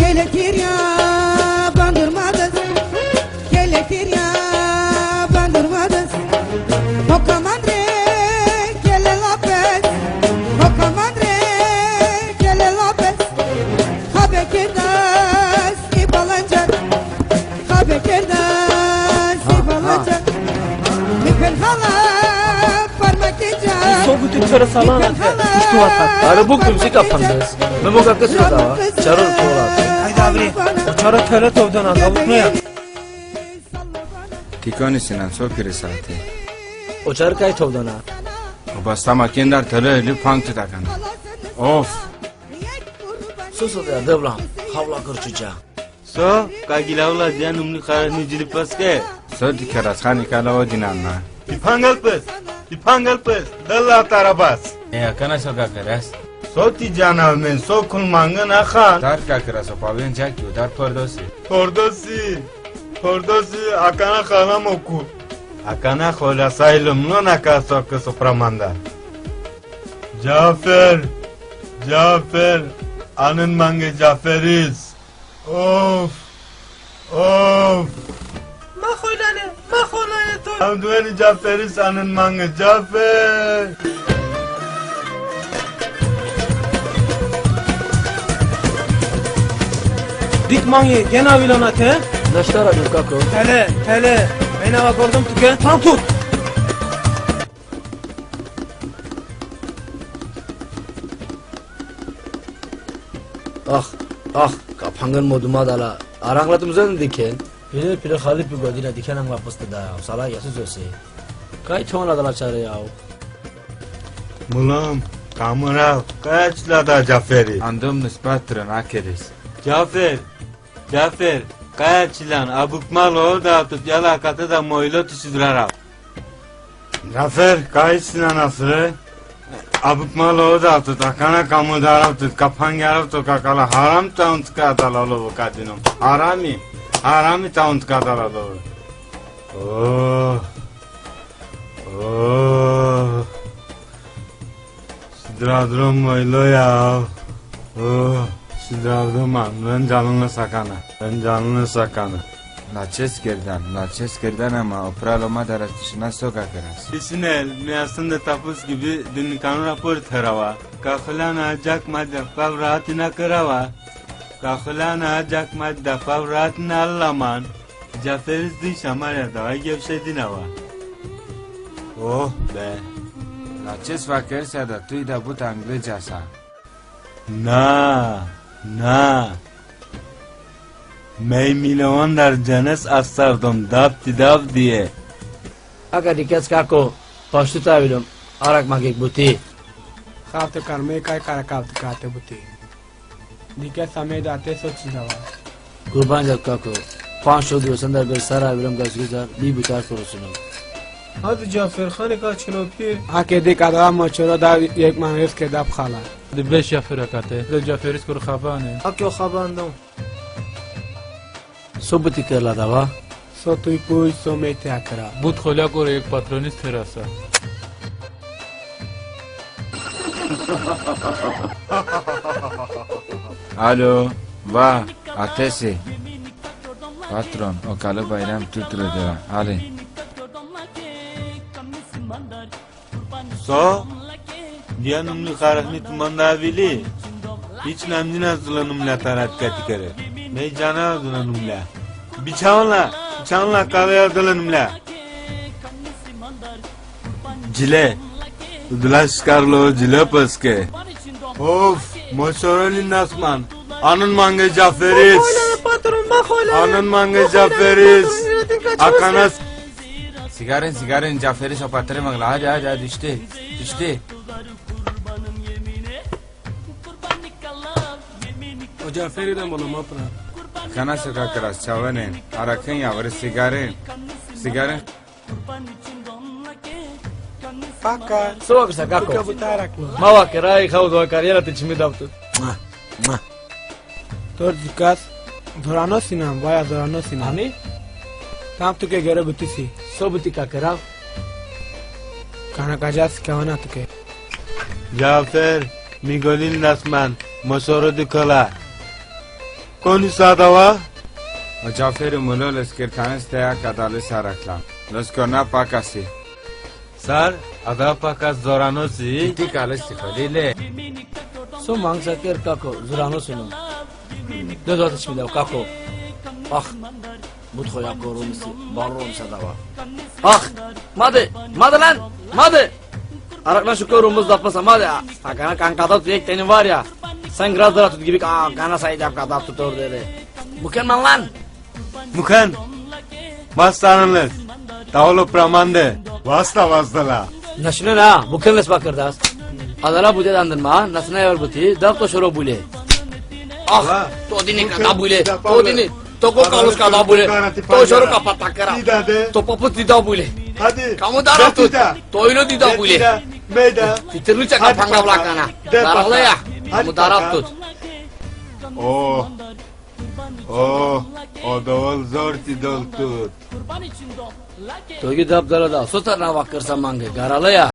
Geletir ya bandırmadız, geletir ya bandırmadız. O kamandre gele lapes, o kamandre gele lapes. Habe kerdas ibalanca, habe kerdas ibalanca. Mikal hala parmak diyeceğim. Soğuk töre salan atı. İşte vatak. Arı bu kumsi kapanız. Ben bu kakı söz hava. Çarır tuğla. Haydi abi. O çara töre tovdan alıp ne ya? Tikoni sinan sopiri saati. O çarı kay tovdan ha. O bastama kendar töre li pang tutakan. Of. Sus ya devlam. Havla kırçıca. So, kagilavla diyan umni kharani jili paske. So dikeras khani kala o dinanna. Dipangal pes, dalla tarabas. Ya kana soka keras. So ti janav men so kul mangan akhan. Dar ka keras o pavien jak yu dar pordosi. Pordosi akana khana moku. Akana khola sailum no nakaso ke sopramanda. Cafer, anın mange Caferiz. Of. Mahulane to. Amdueni Caferiz anın mange Cafer. Dik manye gena vilana te. Naştara bir kako. Tele. Beni bak ordum tüke. Tam tut. Ah. Kapangan moduma dala. Aranglatımızdan diken. Pire Halip bir godina diken ang lapıstı da. Sala yasız öse. Kay çoğuna dala çare ya. Mulam, kamerav, kaçla da Caferi. Andum nispatran akeris. Cafer, kaçlan abukmal o da tut yalakatı da moylo tüsüdüler. Cafer, kaçlan asırı. Abukmal o da tut akana kamu darab tut kapan yarab tut kakala haram taunt kadalalı bu kadınım. Harami taunt kadalalı. Oh. Sidradrum moylo ya. Oh. Sidravdım ben canını sakana. Laches gerdan ama opraloma daras dışına soka keras. Bisinel, meyasında tapus gibi dün kanun rapor terava. Kakhulana jak madde favratina kerava. Kakhulana jak madde favratina allaman. Caferiz di şamarya da gevşedin hava. Oh be. Laches vakersa da tuy da but anglicasa. Na. Mey milyonlar canes asardım dav diye. Aga dikes kako. Paştu tavilum. Arak magik buti. Kafte karme kay kara kafte kate buti. Dike samay date soç dava. Kurban jat kako. 500 diyorsan da bir saray bilim gaz güzel. Bir butar kurusunum. Hadi Cafer khane ka chilo pi. Ake dik adam mochoro da yek manres ke dab khala. دی بش جعفر کاته دی جعفریس کور خبانه Akyo khabandam. Sobuti kerla dava. So tu puy so mete akra. بود خلا کور یک پاترونیست تراسا Alo, va, atesi. Patron, o kalı bayram tutuyor. Ali. So, diyan umli kharahni tumanda vili. Hiç namdin hazırlanımla tarat katikere. Mey cana hazırlanımla. Biçanla kahve hazırlanımla. Cile. Udlaş karlo cile paske. Of, moşoroli nasman. Anın mange Caferiz. Anın mange Caferiz. Akanas. Sigarin Caferi sopatırı mangla. Hadi düştü. O Cafer'den bana mapra. Kana soka keras çavanen. Arakın yavru sigarin. Paka. Soğuk kısa kako. Buka butarak mı? Mava keray khavdu akar yana tiçimi davtu. Tor dikas. Zorano sinam, baya zorano sinam. Ami? Tam tuke göre bütüsi. Sobuti kakerav. Kana kajas kavana tuke. Cafer, Migolin nasman. Moşoru dikala. Konisa dava. Cafer'i mulo leskirtanis teya kadalı saraklan. Leskona pakasi. Sar, ada pakas zoranosi. Iti kalısti halile. Su mangsa ker kako, zurano sunu. Ne dört içmi dev kako. Ah, but koya korumisi, barrom sadava. Ah, madi lan, madi. Araklan şu korumuz dapmasa madi. Akana kan kadar tüyek tenin var ya. Sen grazlara tut gibi kana sayacak kadar tutur dedi. Mükemmel lan. Mukan. Mastanınız. Tavlo pramande. Vasta la. Naşine na, mükemmel bakırdas. Adala bu dedandırma, nasına yer buti, dap to şoro bule. Ah, to dini kada bule, to dini. Toko kalus kada bule, to şoro kapat takara. To poput dida bule. Hadi. Kamu darap tut, to ino dida bule. Meyda. Fitirlu çaka panga blakana. Darahla ya, kamu darap tut. Oh. Oh. O davul zor tidol tut. Togi dap dara da, sotar na vakırsa mange, garala ya.